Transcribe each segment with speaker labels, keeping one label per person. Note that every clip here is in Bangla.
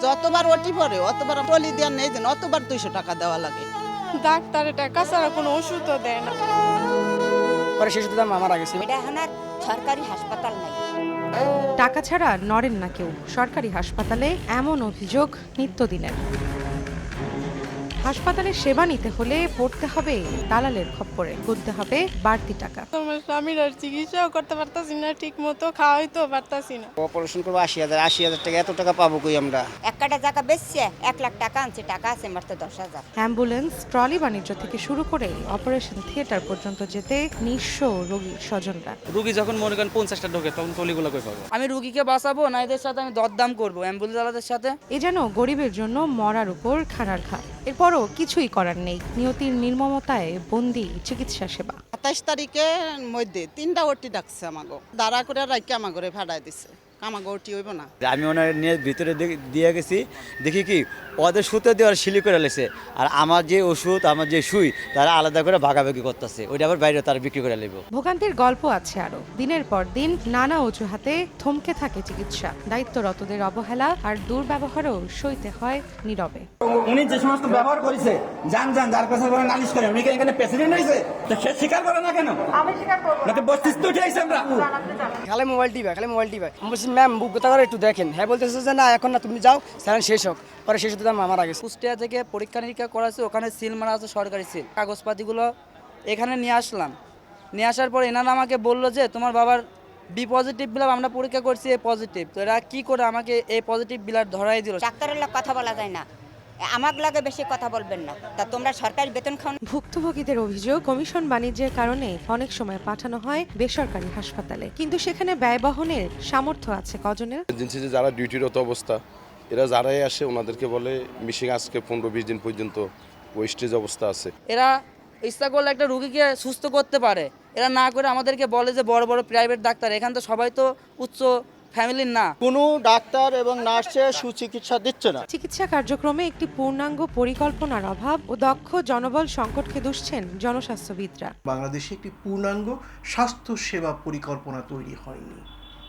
Speaker 1: যতবার ওটি পরে অতবার টলি দেওয়ার নেই যেন অতবার 200 টাকা দেওয়া লাগে।
Speaker 2: ডাক্তারের টাকা ছাড়া কোনো ওষুধও দেয় না।
Speaker 3: পরে শিশুর দাম আমার আগে ছিল।
Speaker 4: এটা এখন আর সরকারি হাসপাতাল নাই।
Speaker 5: টাকা ছাড়া নড়েন না কেউ, সরকারি হাসপাতালে এমন অভিযোগ নিত্যদিনের। হাসপাতালে সেবা নিতে হলে পড়তে হবে দালালের খপ্পরে, গুনতে হবে বাড়তি টাকা।
Speaker 2: তোমার স্বামীর আর চিকিৎসাও করতে পারতাছি না, ঠিক মতো খাওয়াইতেও পারতাছি না।
Speaker 3: অপারেশন করবো 80,000 টাকা, এত টাকা পাবো কই আমরা?
Speaker 4: এক কাটা টাকা বেচছে 1 লাখ টাকা আনছে, টাকা আছে মাত্র 10,000।
Speaker 5: অ্যাম্বুলেন্স, ট্রলি বাণিজ্য থেকে শুরু করে অপারেশন থিয়েটার পর্যন্ত যেতে নিঃস্ব রোগীর স্বজনরা।
Speaker 6: রুগী যখন মনে করেন 50টা ঢোকে তখন টলিগুলো কই পাবো?
Speaker 7: আমি রুগীকে বাঁচাবো না এদের সাথে আমি দরদাম করবো অ্যাম্বুলেন্সওয়ালাদের সাথে?
Speaker 5: এ যেন গরিবের জন্য মরার উপর খানার ঘা। এরপরও কিছুই করার নেই, নিয়তির নির্মমতায় বন্দী চিকিৎসা সেবা।
Speaker 1: 27 তারিখের মধ্যে 3টা ওটি ডাকছে আমাগো, দাঁড়া করে রাখি আমাগরে ভাড়ায় দিছে। আমাগো ওটি হইব না।
Speaker 8: আমি ওনার নিয়ে ভিতরে দিয়ে গেছি, দেখি কি ওদের সুতো দিয়ে ওরা শিলি করে লেছে, আর আমার যে ওষুধ আমার যে সুই তারা আলাদা করে ভাগাভাগি করতেছে, ওইটা আবার বাইরে তারা বিক্রি করে নেব।
Speaker 5: ভোগান্তির গল্প আছে আরো। দিনের পর দিন নানা অজুহাতে থমকে থাকে চিকিৎসা, দায়িত্বরতদের অবহেলা আর দুর্ব্যবহারও সইতে হয় নীরবে।
Speaker 9: উনি যে সমস্ত ব্যবহার করেছে, যান যার কাছে বলে নালিশ করে, উনি এখানে প্রেসিডেন্ট হয়েছে, তো সে স্বীকার করে না কেন? আমি স্বীকার করব না, তো বস্তিস্ত উঠে আইছে আমরা।
Speaker 3: খালি মোবাইল টিপা আমি বলছি ম্যাম বুকটা করে একটু দেখেন। হ্যাঁ বলতেছে যে না এখন না, তুমি যাও স্যার শেষ হোক। পরে শিশুর দাম আমার আগে।
Speaker 7: কুষ্টিয়া থেকে পরীক্ষা নিরীক্ষা করাছে, ওখানে সিল মারা আছে, সরকারি সিল। কাগজপাতিগুলো এখানে নিয়ে আসলাম, নিয়ে আসার পর এনারা আমাকে বললো যে তোমার বাবার বি পজিটিভ ব্লাড আমরা পরীক্ষা করছি, এ পজিটিভ। তো এরা কি করে আমাকে এই পজিটিভ ব্লাড ধরাই দিল।
Speaker 4: ডাক্তারের লোক কথা বলা যায় না, আমার লাগে বেশি কথা বলবেন না। তা তোমরা সরকারি বেতন খাও না?
Speaker 5: ভুক্তভোগীদের অভিযোগ, কমিশন বাণিজ্যের কারণে অনেক সময় পাঠানো হয় বেসরকারি হাসপাতালে, কিন্তু সেখানে ব্যয় বহনের সামর্থ্য আছে কজনের?
Speaker 10: এজেন্সিতে যারা ডিউটিরত অবস্থা, এরা যারাই আসে ওনাদেরকে বলে মিশিং আজকে 15-20 দিন পর্যন্ত ওয়েস্টেজ অবস্থা আছে।
Speaker 7: এরা ইচ্ছা করলে একটা রুগীকে সুস্থ করতে পারে, এরা না করে আমাদেরকে বলে যে বড় বড় প্রাইভেট ডাক্তার। এখান তো সবাই তো উচ্চ ফ্যামিলির না।
Speaker 11: কোনো ডাক্তার এবং নার্সে সুচিকিৎসা দিচ্ছে না।
Speaker 5: চিকিৎসা কার্যক্রমে একটি পূর্ণাঙ্গ পরিকল্পনার অভাব ও দক্ষ জনবল সংকটকে দুষছেন জনস্বাস্থ্যবিদরা।
Speaker 12: বাংলাদেশে একটি পূর্ণাঙ্গ স্বাস্থ্য সেবা পরিকল্পনা তৈরি হয়নি।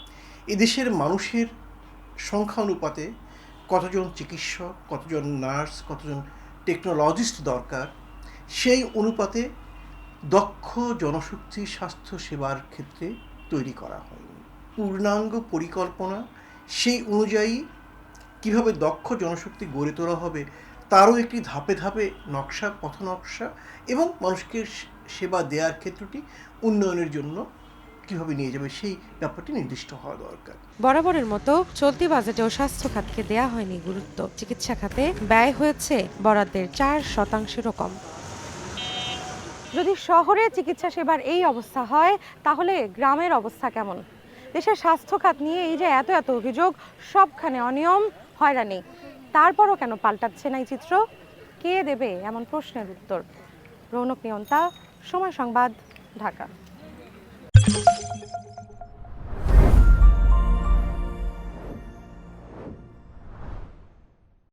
Speaker 12: এদেশের মানুষের সংখ্যা অনুপাতে কতজন চিকিৎসক, কতজন নার্স, কতজন টেকনোলজিস্ট দরকার, সেই অনুপাতে দক্ষ জনশক্তি স্বাস্থ্য সেবার ক্ষেত্রে তৈরি করা হয়নি। পূর্ণাঙ্গ পরিকল্পনা, সেই অনুযায়ী কীভাবে দক্ষ জনশক্তি গড়ে তোলা হবে তারও একটি ধাপে ধাপে নকশা, পথনকশা এবং মানুষকে সেবা দেওয়ার ক্ষেত্রটি উন্নয়নের জন্য কীভাবে নিয়ে যাবে সেই ব্যাপারটি নির্দিষ্ট হওয়া দরকার।
Speaker 5: বরাবরের মতো চলতি বাজেটেও স্বাস্থ্য খাতকে দেয়া হয়নি গুরুত্ব। চিকিৎসা খাতে ব্যয় হয়েছে বরাদ্দের 4%-রও কম। যদি শহরে চিকিৎসা সেবার এই অবস্থা হয়, তাহলে গ্রামের অবস্থা কেমন? দেশের স্বাস্থ্য খাত নিয়ে এই যে এত এত অভিযোগ, সবখানে অনিয়ম, হয়রানি, তারপরও কেন পাল্টাচ্ছে না এই চিত্র? কে দেবে এমন প্রশ্নের উত্তর? রৌনক নিয়ন্তা, সময় সংবাদ, ঢাকা।